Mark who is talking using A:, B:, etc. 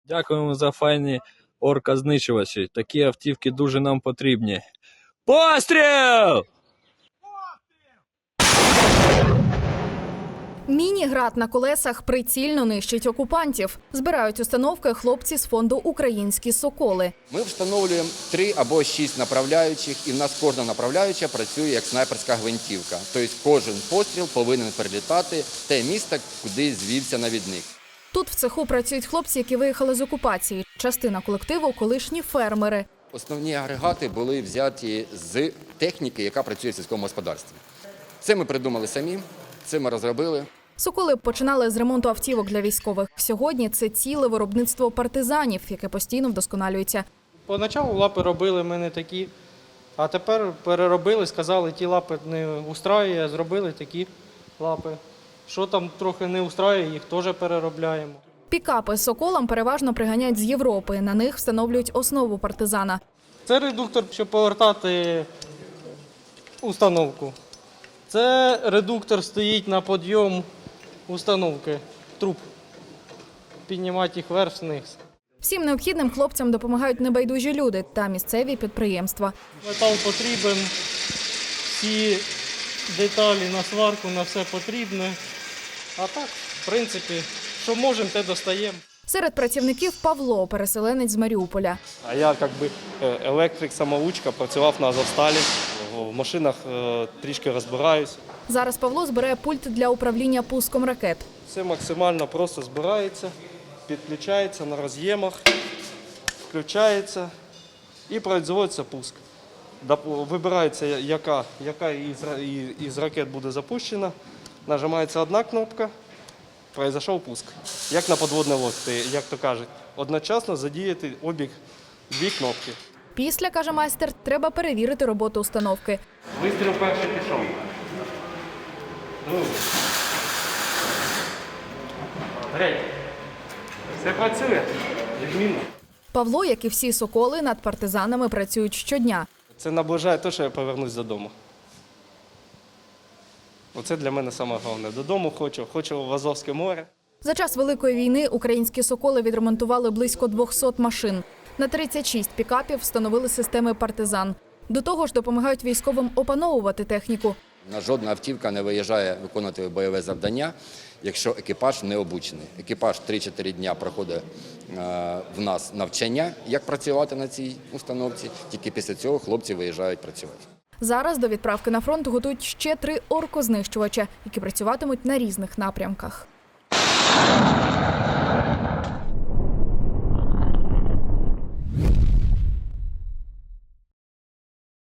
A: Дякуємо за файні орказничувачі. Такі автівки дуже нам потрібні. Постріл!
B: Міні-град на колесах прицільно нищить окупантів. Збирають установки хлопці з фонду «Українські соколи».
C: Ми встановлюємо 3 або 6 направляючих, і в нас кожна направляюча працює як снайперська гвинтівка. Тобто кожен постріл повинен прилітати в те місце, куди звівся навідник.
B: Тут в цеху працюють хлопці, які виїхали з окупації. Частина колективу – колишні фермери.
C: Основні агрегати були взяті з техніки, яка працює в сільському господарстві. Це ми придумали самі, це ми розробили.
B: Соколи починали з ремонту автівок для військових. Сьогодні це ціле виробництво партизанів, яке постійно вдосконалюється.
D: Поначалу лапи робили ми не такі, а тепер переробили, сказали, ті лапи не устраює, зробили такі лапи. Що там трохи не устраює, їх теж переробляємо.
B: Пікапи з «Соколом» переважно приганяють з Європи. На них встановлюють основу партизана.
D: Це редуктор, щоб повертати установку. Це редуктор стоїть на підйом установки, труб. Піднімати їх вверх-вниз.
B: Всім необхідним хлопцям допомагають небайдужі люди та місцеві підприємства.
D: Метал потрібен, всі деталі на сварку, на все потрібне. А так, в принципі, що можемо, те достаємо.
B: Серед працівників Павло, переселенець з Маріуполя.
E: А я електрик-самоучка, працював на Азовсталі, в машинах трішки розбираюсь.
B: Зараз Павло збирає пульт для управління пуском ракет.
E: Все максимально просто збирається, підключається на роз'ємах, включається і производиться пуск. Вибирається, яка із ракет буде запущена, нажимається одна кнопка, пройшов пуск. Як на підводній лодці, як то кажуть, одночасно задіяти обіг 2 кнопки.
B: Після, каже майстер, треба перевірити роботу установки.
E: Вистріл перший пішов. Греть. Все працює, відмінно.
B: Павло, як і всі «Соколи», над партизанами працюють щодня.
E: Це наближає те, що я повернусь додому. Оце для мене саме головне. Додому хочу в Азовське море.
B: За час Великої війни українські «Соколи» відремонтували близько 200 машин. На 36 пікапів встановили системи «Партизан». До того ж допомагають військовим опановувати техніку.
C: Жодна автівка не виїжджає виконувати бойове завдання, якщо екіпаж не обучений. Екіпаж 3-4 дня проходить в нас навчання, як працювати на цій установці. Тільки після цього хлопці виїжджають працювати.
B: Зараз до відправки на фронт готують ще 3 оркознищувача, які працюватимуть на різних напрямках.